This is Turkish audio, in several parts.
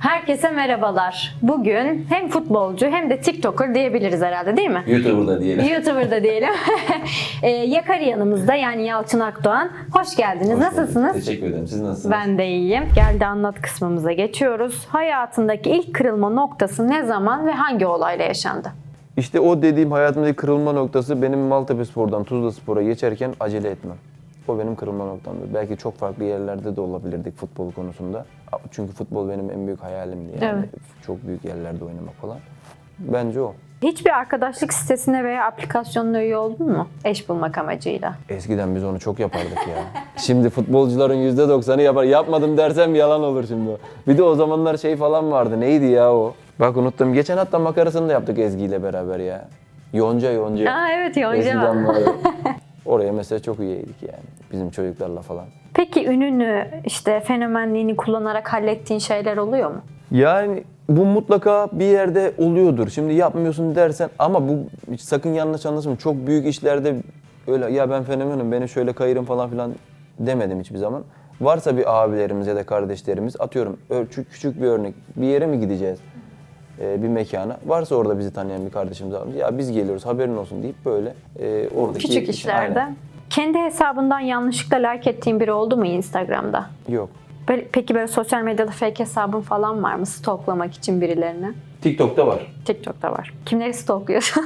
Herkese merhabalar. Bugün hem futbolcu hem de TikToker diyebiliriz herhalde, değil mi? YouTuber'da diyelim. YouTuber'da diyelim. Yakari yanımızda, yani Yalçın Akdoğan. Hoş geldiniz. Hoş Nasılsınız? bulduk. Teşekkür ederim. Siz nasılsınız? Ben de iyiyim. Geldi anlat kısmımıza geçiyoruz. Hayatındaki ilk kırılma noktası ne zaman ve hangi olayla yaşandı? İşte o dediğim hayatımdaki kırılma noktası benim Maltepespor'dan Tuzlaspor'a geçerken acele etmem. O benim kırılma noktamdı. Belki çok farklı yerlerde de olabilirdik futbol konusunda. Çünkü futbol benim en büyük hayalimdi yani. Evet. Çok büyük yerlerde oynamak falan. Bence o. Hiçbir arkadaşlık sitesine veya aplikasyonuna üye oldun mu? Eş bulmak amacıyla. Eskiden biz onu çok yapardık ya. Şimdi futbolcuların %90'ı yapar. Yapmadım dersem yalan olur şimdi o. Bir de o zamanlar şey falan vardı. Neydi ya o? Bak unuttum. Geçen hatta makarasını da yaptık Ezgi ile beraber ya. Yonca. Aa evet, Yonca. Eskiden vardı. Oraya mesela çok üyeydik yani. Bizim çocuklarla falan. Peki ününü, işte fenomenliğini kullanarak hallettiğin şeyler oluyor mu? Yani bu mutlaka bir yerde oluyordur. Şimdi yapmıyorsun dersen ama bu sakın yanlış anlaşılma. Çok büyük işlerde öyle ya ben fenomenim, beni şöyle kayırın falan filan demedim hiçbir zaman. Varsa bir abilerimiz ya da kardeşlerimiz, atıyorum küçük bir örnek, bir yere mi gideceğiz? Bir mekana. Varsa orada bizi tanıyan bir kardeşimiz var. Ya biz geliyoruz haberin olsun deyip böyle oradaki... Küçük işlerde. Aynen. Kendi hesabından yanlışlıkla like ettiğin biri oldu mu Instagram'da? Yok. Peki böyle sosyal medyada fake hesabın falan var mı stalklamak için birilerini? TikTok'ta var. TikTok'ta var. Kimleri stalkluyorsun?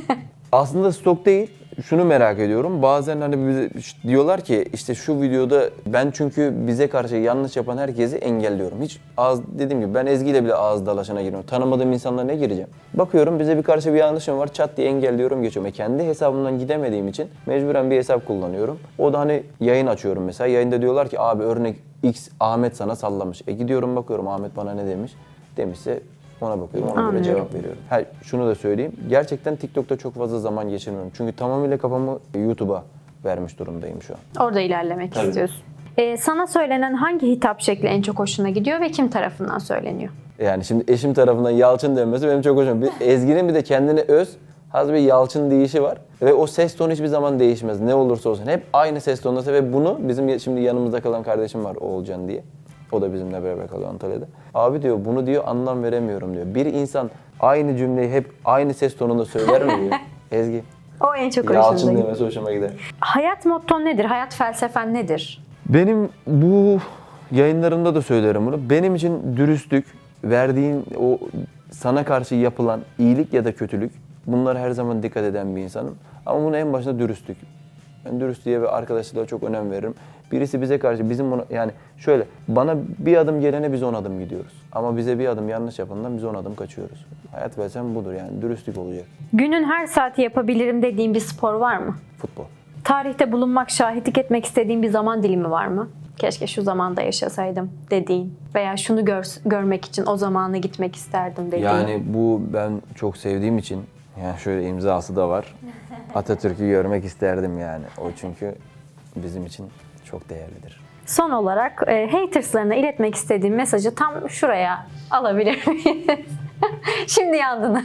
Aslında stok değil. Şunu merak ediyorum. Bazen hani bize diyorlar ki işte şu videoda ben çünkü bize karşı yanlış yapan herkesi engelliyorum. Hiç dediğim gibi ben Ezgi ile bile ağız dalaşına giriyorum. Tanımadığım insanlara ne gireceğim? Bakıyorum bize bir karşı bir yanlışım var. Çat diye engelliyorum, geçiyorum. Kendi hesabımdan gidemediğim için mecburen bir hesap kullanıyorum. O da hani yayın açıyorum mesela. Yayında diyorlar ki abi örnek X Ahmet sana sallamış. Gidiyorum bakıyorum Ahmet bana ne demiş. Demişse ona bakıyorum, ona göre cevap veriyorum. Şunu da söyleyeyim, gerçekten TikTok'ta çok fazla zaman geçirmiyorum. Çünkü tamamıyla kafamı YouTube'a vermiş durumdayım şu an. Orada ilerlemek Tabii. istiyorsun. Sana söylenen hangi hitap şekli en çok hoşuna gidiyor ve kim tarafından söyleniyor? Yani şimdi eşim tarafından Yalçın denmesi benim çok hoşuma gidiyor. Ezgi'nin bir de kendine öz, az bir Yalçın deyişi var. Ve o ses tonu hiçbir zaman değişmez. Ne olursa olsun. Hep aynı ses tonunda ve bunu bizim şimdi yanımızda kalan kardeşim var Oğulcan diye. O da bizimle beraber kalıyor Antalya'da. Abi diyor bunu diyor anlam veremiyorum diyor. Bir insan aynı cümleyi hep aynı ses tonunda söyler mi diyor. Ezgi. O en çok hoşuna Yalçın gidiyor. demesi hoşuma gider. Hayat motton nedir? Hayat felsefen nedir? Benim bu yayınlarımda da söylerim bunu. Benim için dürüstlük, verdiğin o sana karşı yapılan iyilik ya da kötülük, bunlara her zaman dikkat eden bir insanım. Ama bunun en başında dürüstlük. Ben dürüstlüğe ve arkadaşlığa çok önem veririm. Birisi bize karşı yani şöyle bana bir adım gelene biz 10 adım gidiyoruz. Ama bize bir adım yanlış yapandan biz 10 adım kaçıyoruz. Hayat felsefem budur yani dürüstlük olacak. Günün her saati yapabilirim dediğin bir spor var mı? Futbol. Tarihte bulunmak, şahitlik etmek istediğin bir zaman dilimi var mı? Keşke şu zamanda yaşasaydım dediğin veya şunu görmek için o zamana gitmek isterdim dediğin. Yani bu ben çok sevdiğim için yani şöyle imzası da var. Atatürk'ü görmek isterdim yani. O çünkü bizim için çok değerlidir. Son olarak haterslarına iletmek istediğin mesajı tam şuraya alabilir miyiz? Şimdi yandın.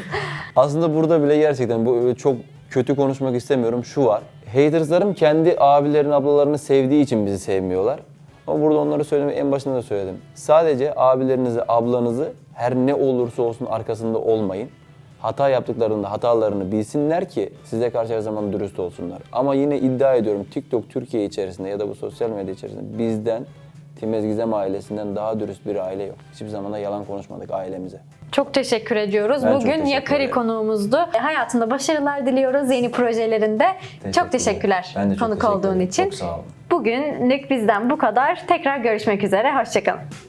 Aslında burada bile gerçekten bu çok kötü konuşmak istemiyorum. Şu var. Haterslarım kendi abilerini, ablalarını sevdiği için bizi sevmiyorlar. Ama burada onları söylemeyi en başında da söyledim. Sadece abilerinizi, ablanızı her ne olursa olsun arkasında olmayın. Hata yaptıklarında hatalarını bilsinler ki size karşı her zaman dürüst olsunlar. Ama yine iddia ediyorum TikTok Türkiye içerisinde ya da bu sosyal medya içerisinde bizden, Timez Gizem ailesinden daha dürüst bir aile yok. Hiçbir zaman da yalan konuşmadık ailemize. Çok teşekkür ediyoruz. Ben çok Bugün teşekkür Yakari ederim. konuğumuzdu. Hayatında başarılar diliyoruz yeni projelerinde. Çok teşekkürler Ben de çok konuk teşekkür olduğun ederim. için. Çok sağ olun. Bugünlük bizden bu kadar. Tekrar görüşmek üzere. Hoşçakalın.